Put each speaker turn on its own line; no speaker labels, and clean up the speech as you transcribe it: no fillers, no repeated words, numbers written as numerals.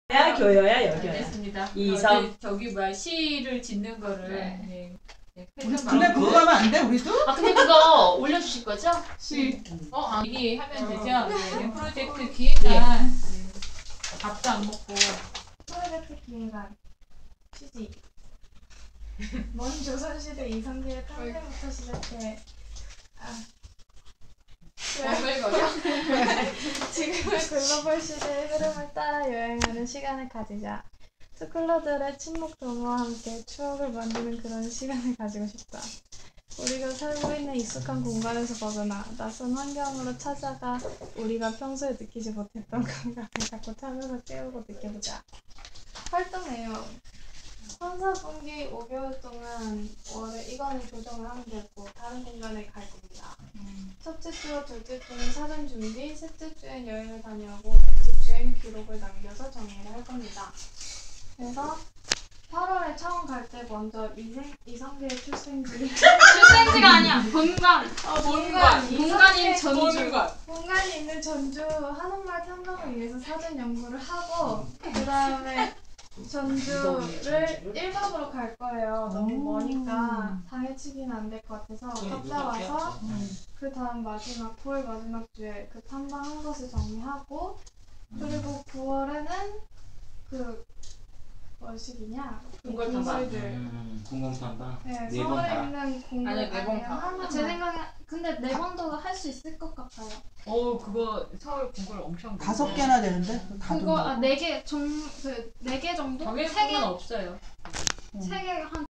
야 교여야 여교야.
알겠습니다.
이성.
저기 뭐야 시를 짓는 거를.
네.
네.
근데 그거 하면 안 돼 우리도?
아 근데 그거 올려주실 거죠?
시.
얘기하면 되죠. 네. 프로젝트 기획안. 네. 밥도 안 먹고.
프로젝트 기획안 취지. 먼 조선시대 이성계의 탄생부터 시작해
오글거려?
지금의 글로벌 시대의 흐름을 따라 여행하는 시간을 가지자. 스쿨러들의 친목 도모와 함께 추억을 만드는 그런 시간을 가지고 싶다. 우리가 살고 있는 익숙한 공간에서 벗어나 낯선 환경으로 찾아가 우리가 평소에 느끼지 못했던 감각을 자꾸 찾아서 깨우고 느껴보자. 활동 내용. 3, 4분기 5개월 동안 월에 이거는 조정을 하면 되고 다른 공간에 갈 겁니다. 첫째 주와 둘째 주는 사전 준비, 셋째 주엔 여행을 다녀오고 넷째 주엔 기록을 남겨서 정리를 할 겁니다. 그래서 8월에 처음 갈 때 먼저 이성계의 출생지
출생지가 아니야. 본관. 본관인 전주.
본관이 있는 전주 한옥마을 탐방을 위해서 사전 연구를 하고 그 다음에 전주를 1박으로 갈 거예요. 너무 머니까 당일치기는 안 될 것 같아서 갔다 와서 그 다음 마지막 9월 마지막 주에 그 탐방한 것을 정리하고 그리고 9월에는 그 뭐시기냐?
궁궐 탐방.
공공탐방.
네,
네 번
서울에
다.
있는 공간
아니, 네번 다.
하나.
제 생각에 근데 4번도 할 수 있을 것 같아요.
그거 서울 공부를 엄청.
5개나 되는데?
그거 4개 정도?
정해진
3개?
건 없어요.
3개 한